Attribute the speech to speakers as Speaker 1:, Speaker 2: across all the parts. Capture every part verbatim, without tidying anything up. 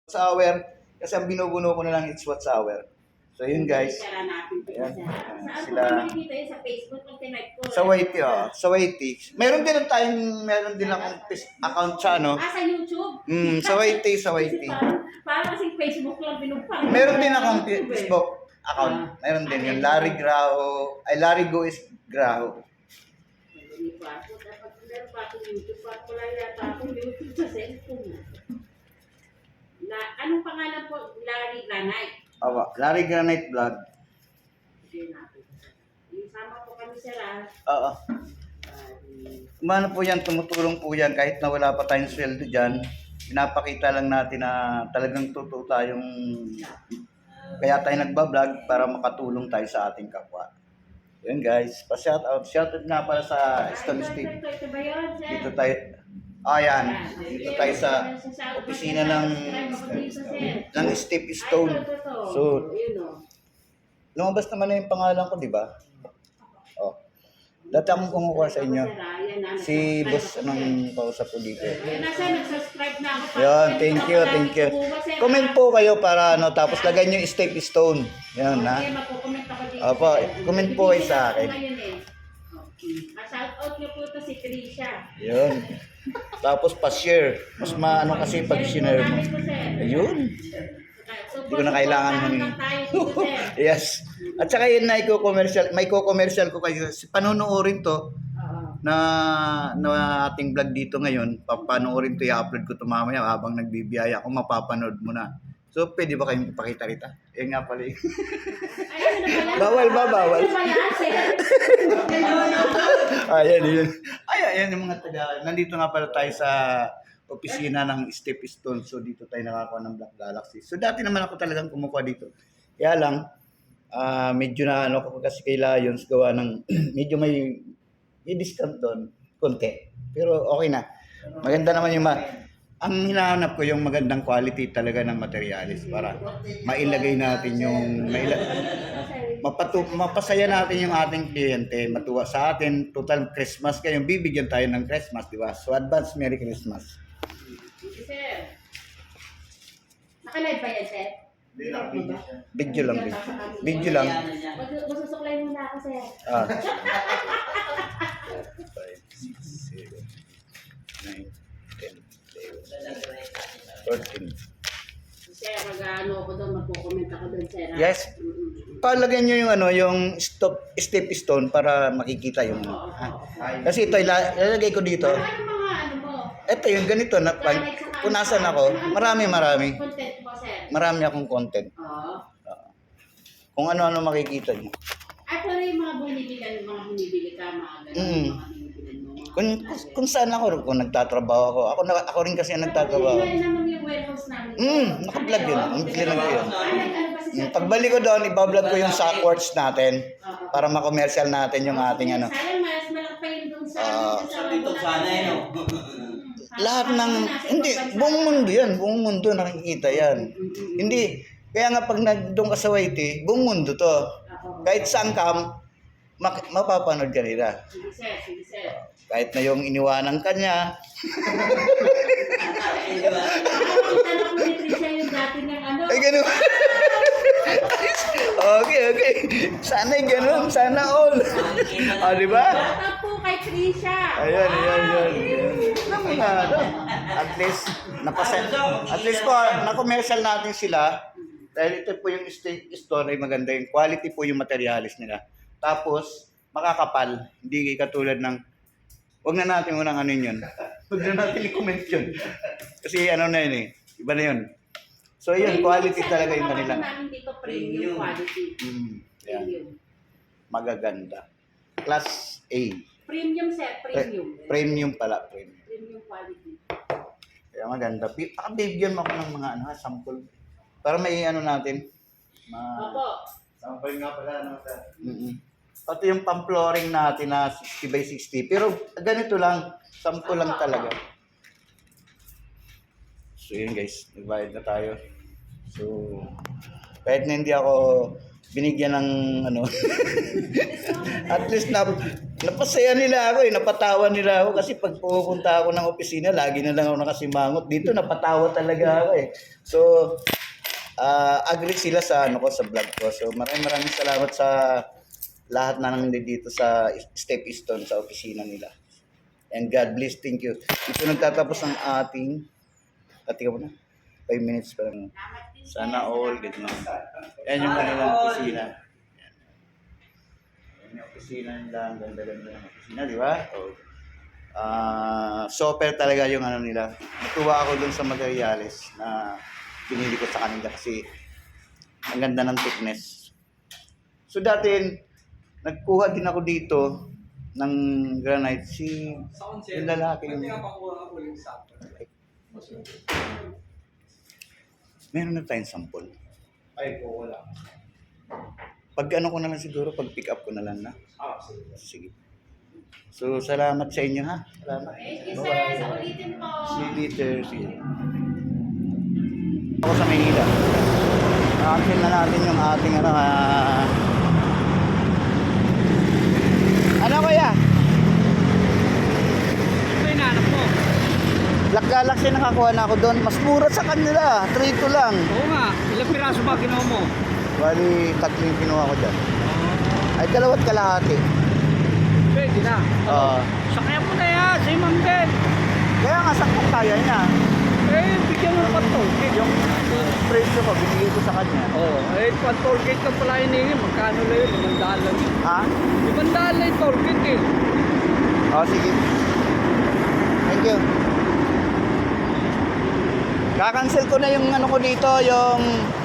Speaker 1: hour. Kasi ang binubuno ko na lang it's watch hour. So yun guys.
Speaker 2: Ayan.
Speaker 1: Sila.
Speaker 2: Sa Facebook pag tinike ko.
Speaker 1: Sa Waity, oh. Sa Waity. Meron din tayong, meron din akong account sa ano.
Speaker 2: Ah, sa YouTube?
Speaker 1: Mm, sa Waity, sa Waity.
Speaker 2: Parang, parang kasing Facebook lang pinupang.
Speaker 1: Meron din akong Facebook account. Meron din yung Larry Graho. Ay, Larry Go is Graho.
Speaker 2: Hindi pa ako. Dapat meron pa akong YouTube. Wala yata akong YouTube sa cellphone. Na, anong pangalan po? Larry Granite.
Speaker 1: Awa, Larry Granite Vlog.
Speaker 2: Sige natin. Isama po kami sa lahat.
Speaker 1: Oo. Kumano po yan, tumutulong po yan kahit na wala pa tayong sweldo dyan. Pinapakita lang natin na talagang totoo tayong kaya tayo nagbablog para makatulong tayo sa ating kapwa. Yun guys, pa-shout out. Shout out nga para sa Stone Steve.
Speaker 2: Ito, ito ba yun, sir?
Speaker 1: Dito tayo, ayan, dito tayo sa opisina ng ng Steve Stone. So, lumabas naman na yung pangalan ko, di ba? Oh. Dati akong kumukuha sa inyo. Si boss anong kausap ko dito.
Speaker 2: Nasa nag-subscribe na ako.
Speaker 1: Yan, thank you, thank you. Comment po kayo para ano, tapos lagay nyo yung Steve Stone. Yan, ha?
Speaker 2: Okay, magko-comment ako dito.
Speaker 1: Opo, comment po kayo sa akin.
Speaker 2: Shout out niyo po ito si Trisha.
Speaker 1: Yun. Tapos pa-share. Mas maano kasi pag sinare mo. Ayun. Hindi ko na kailangan humingi. Yes. At saka yun na i-commercial, may co-commercial ko kayo. Panunuorin to na, na ating vlog dito ngayon. Papanoorin to, i-upload ko to mamaya habang nagbibiyaya ako, mapapanood mo na. So, pwede ba kayong ipakita rita? Yan nga pala. Bawal ba? Bawal. Ayan, yun. Ay, ayan yung mga taga. Nandito nga pala tayo sa opisina ng Step Stone. So, dito tayo nakakuha ng Black Galaxy. So, dati naman ako talagang kumukuha dito. Kaya lang, uh, medyo na ano ko kasi kay Lions gawa ng medyo may, may discount doon. Konti. Pero okay na. Maganda naman yung ma... Ang hinahanap ko yung magandang quality talaga ng materialis para mailagay natin yung maila, mapatu, mapasaya natin yung ating kliyente, matuwa sa atin. Total Christmas kayo, bibigyan tayo ng Christmas, di ba? So advance Merry Christmas.
Speaker 2: Sir, nakalive ba yan, sir?
Speaker 1: Video lang, video. Video lang.
Speaker 2: Masusuklay muna ako, sir.
Speaker 1: Ah. five, six, seven, nine, ten, fourteen.
Speaker 2: Sir, mag-ano ako doon, magko-comment ako doon, sir.
Speaker 1: Yes. Palagyan nyo yung ano, yung stop, step stone para makikita yung
Speaker 2: Oo,
Speaker 1: ha?
Speaker 2: oo, oo.
Speaker 1: Kasi ito, ila- ilalagay ko dito.
Speaker 2: Ano mga ano mo?
Speaker 1: Ito yung ganito na pag punasan ako, marami marami.
Speaker 2: Content mo, sir.
Speaker 1: Marami akong content.
Speaker 2: Oo.
Speaker 1: Kung ano-ano makikita nyo.
Speaker 2: Ay, pero yung mga bumibili, mga bumibili ka, mga ganun,
Speaker 1: Mm.
Speaker 2: mga bumibili mo. mga-
Speaker 1: Kung, kung saan ako, kung nagtatrabaho ako. Ako, na, ako rin kasi ang nagtatrabaho.
Speaker 2: Hindi naman yung warehouse namin.
Speaker 1: Hmm, naka-vlog yun. Ang clear ko yun.
Speaker 2: Ay, nag-ano ba si
Speaker 1: Hmm,
Speaker 2: sir?
Speaker 1: Pagbalik ko doon, ibablog ko yung sock words natin
Speaker 2: Oo.
Speaker 1: para ma-commercial natin yung ating ano.
Speaker 2: Sayang, mas malaki pa yun doon sa...
Speaker 1: Ah.
Speaker 2: sa
Speaker 3: Dito sana eh, no?
Speaker 1: Lahat ng, hindi, buong mundo yan. Buong mundo nakikita yan. Hindi, kaya nga pag nag, doon ka sa Waity, buong mundo to. Kahit saan ka, mak- mapapanood ka nila.
Speaker 2: Sige sir, sige sir.
Speaker 1: Kahit na yung iniwanan ka niya.
Speaker 2: Tanong mo ni Trisha yung dati ng ano.
Speaker 1: Ay, ganun. Okay, okay. Sana'y ganun. Sana all. O, di ba?
Speaker 2: Bata po kay Trisha.
Speaker 1: Ayan, ayan, ayan. Alam mo na, ano? At least, napasa at least po, na-commercial natin sila. Dahil ito po yung st- store ay maganda. Yung quality po yung materialis nila. Tapos, makakapal. Hindi katulad ng, wag na natin unang ano yun. Wag na natin i-comment yun. Kasi ano na yun eh. Iba na yun. So yun, quality talaga yung kanila.
Speaker 2: namin dito premium quality.
Speaker 1: Mm, yan.
Speaker 2: Premium.
Speaker 1: Magaganda. Class A.
Speaker 2: Premium sir, premium.
Speaker 1: Premium pala, premium.
Speaker 2: Premium quality.
Speaker 1: Kaya maganda. Pi- Pakabigyan mo ako ng mga ano, sample. Para may ano natin. Ma
Speaker 2: Opo.
Speaker 1: sample nga pala. Ano, mm Pati yung pang-flooring natin na sixty by sixty. Pero ganito lang. Sample lang talaga. So yun guys. Nagbayad na tayo. So, kahit na hindi ako binigyan ng ano, at least na Napasaya nila ako eh, napatawa nila ako kasi pag pupunta ako ng opisina, lagi na lang ako nakasimangot. Dito napatawa talaga ako eh. So, ah agree sila sa ano ko sa vlog ko. So, maraming maraming salamat sa lahat na nandito sa Step Stone sa opisina nila. And God bless, thank you. Ito nagtatapos ang ating, katika mo na, five minutes pa lang. Sana all, ganyan. Yan yung kanilang opisina. May opisina nila, ang ganda-ganda ng opisina, di ba? Oh. Ah, super talaga yung ano nila. Natuwa ako dun sa materials na pinili ko sa kanila kasi ang ganda ng thickness. So dati, nagkuha din ako dito ng granite. Si yung lalaki yung... Meron na tayong sample.
Speaker 3: Ay, po, wala.
Speaker 1: Pag ano ko na lang siguro, pag pick up ko na lang na.
Speaker 3: Ah, sige.
Speaker 1: Sige. So, salamat sa inyo ha. Salamat.
Speaker 2: Thank you, sir. Sa ulitin po.
Speaker 1: See you later. See you. Ako sa Maynila. Akin na natin yung ating ano ah... Ano kaya?
Speaker 3: Ito yung nanak mo.
Speaker 1: Black Galaxy nakakuha na ako doon. Mas mura sa kanila. three two lang.
Speaker 3: Oo nga. Ilang piraso ba ginawa mo?
Speaker 1: Bali, tatlo yung kinuha ko dyan. Ay, dalawat kalahati.
Speaker 3: Pwede na.
Speaker 1: Oo.
Speaker 3: Sakyan mo na yan. Sa imam din.
Speaker 1: Kaya nga sakong kaya niya.
Speaker 3: Eh, bigyan mo naman toll gate.
Speaker 1: Yung presyo ko, binigay ko sa kanya.
Speaker 3: Oo. Eh, pag toll gate ka pala hiningin, magkano lang yun? Limandaan lang yun.
Speaker 1: Ha?
Speaker 3: Limandaan lang yung toll gate eh.
Speaker 1: Oo, sige. Thank you. Kakancel ko na yung ano ko dito, yung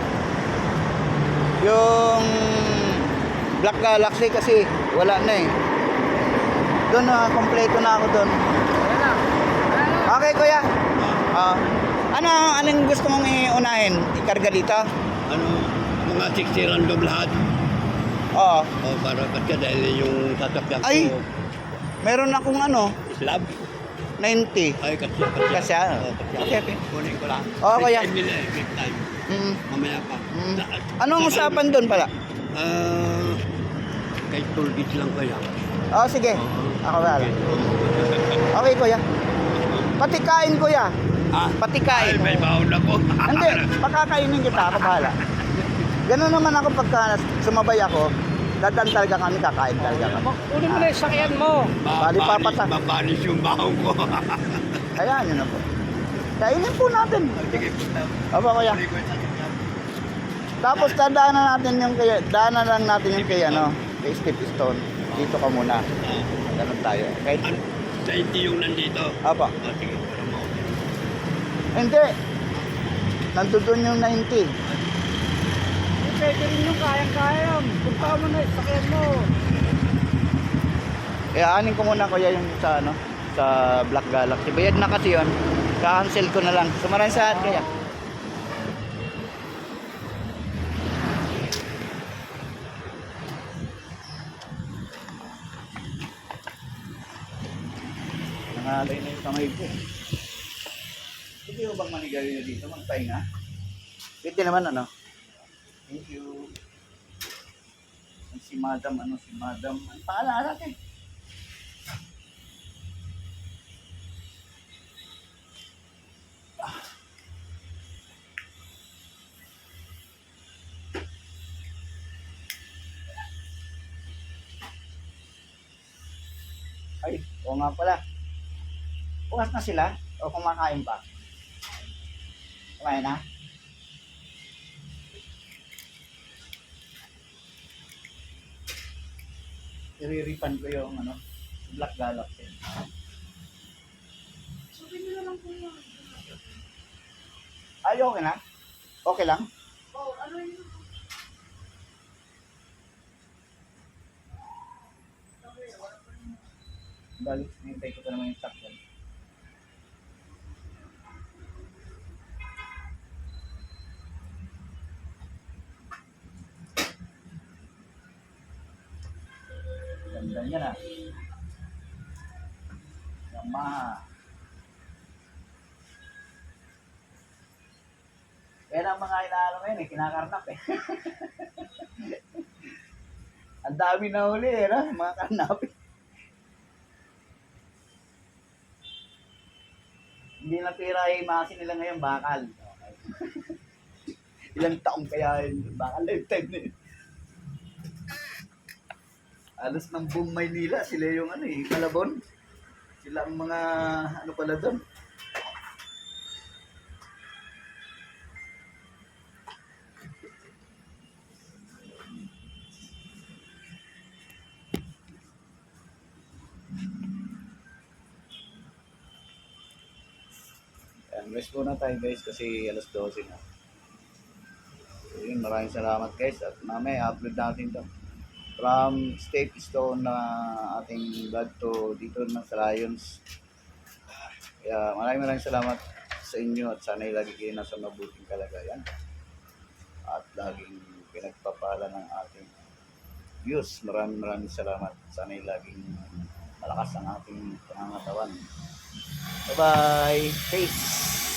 Speaker 1: yung Black Galaxy kasi wala na eh. Doon na, kompleto na ako doon.
Speaker 3: Ayan na. Ayan na.
Speaker 1: Okay, kuya. Ah, ano, anong gusto mong iunahin? Ikarga dito?
Speaker 4: Ano, mga sixty random lahat.
Speaker 1: Oo.
Speaker 4: O, para ba't ka dahil yung sasakyan ko,
Speaker 1: Ay! Meron akong ano,
Speaker 4: slab.
Speaker 1: ninety.
Speaker 4: Ay, kasi, kasi.
Speaker 1: Kasi ah.
Speaker 4: O, kasi.
Speaker 1: Okay, okay.
Speaker 4: Kunin ko lang.
Speaker 1: Oo, kuya.
Speaker 4: Big time nila eh, big time.
Speaker 1: Mm.
Speaker 4: Mamaya pa.
Speaker 1: Mm.
Speaker 4: Sa-
Speaker 1: Anong
Speaker 4: sa-
Speaker 1: usapan doon pala?
Speaker 4: Ah, kay toll gate lang kaya.
Speaker 1: Oo, sige. Ako wala. Okay, kuya. Pati kain, kuya.
Speaker 4: Ah,
Speaker 1: Pati
Speaker 4: ay,
Speaker 1: kain.
Speaker 4: may baon ako.
Speaker 1: Hindi, pakakainin kita. Ako bahala. Ganun naman ako pagka sumabay ako. Dadan talaga kami, kakain talaga kami.
Speaker 3: Kunin mo na yung sakyan mo.
Speaker 1: Bali, papata.
Speaker 4: Mabalis yung baon ko.
Speaker 1: Hayaan nyo na po. Kainin po natin.
Speaker 4: Sige,
Speaker 1: Aba, kuya.
Speaker 4: kunin ko yung sasakyan.
Speaker 1: Tapos dadaanan natin yung kay, daanan lang natin yung kay ano, kay Step Stone. Dito ka muna.
Speaker 4: Ah,
Speaker 1: Ganun tayo. Kahit,
Speaker 4: ano, ninety yung nandito.
Speaker 1: apa.
Speaker 4: Ah, sige, para mo.
Speaker 1: Hindi. Nandun yung ninety.
Speaker 3: Pwede rin yung kayang-kayang. Punta mo na yung sakyan mo.
Speaker 1: Eh, anin ko muna kuya yung sa ano, sa Black Galaxy. Bayad na kasi yun. Ka-cancel ko na lang. So maraming salamat kaya. Nangalay na yung kamay ko. Pwede mo bang manigarilyo dito? Magpahinga? Pwede naman ano? Thank you. Si Madam, ano si Madam? Ang pangalan natin. Ay, oo nga pala. Bukas na sila? O kumakain pa? Kumain na? I-refund ko yung ano, Black Galaxy.
Speaker 2: Sabi nyo na lang po yun.
Speaker 1: Ay, okay na? Okay lang?
Speaker 2: Oh, ano yun?
Speaker 1: Balik, nintay ko pa naman yung stock yan. Ganda niya na. Yamaha. Yan ang mga inaano ngayon eh, kinakarnap eh. Ang dami na huli eh, no? Mga karnap eh. Hindi na pera ay maasin nila ngayon, bakal. Okay. Ilang taong kaya yun, bakal lifetime na yun. Alos ng buong Maynila, sila yung ano eh, Malabon. Sila ang mga ano pala doon. Ayan, rest muna tayo guys kasi alas dose na. So, yun, maraming salamat guys at mamaya upload natin to. From State Stone na ating vlog to dito na sa Lions. Kaya maraming maraming salamat sa inyo at sana'y lagi kayo nasa mabuting kalagayan. At laging pinagpapala ng ating views. Maraming maraming salamat. Sana'y laging malakas ang ating pangangatawan. Bye-bye. Peace.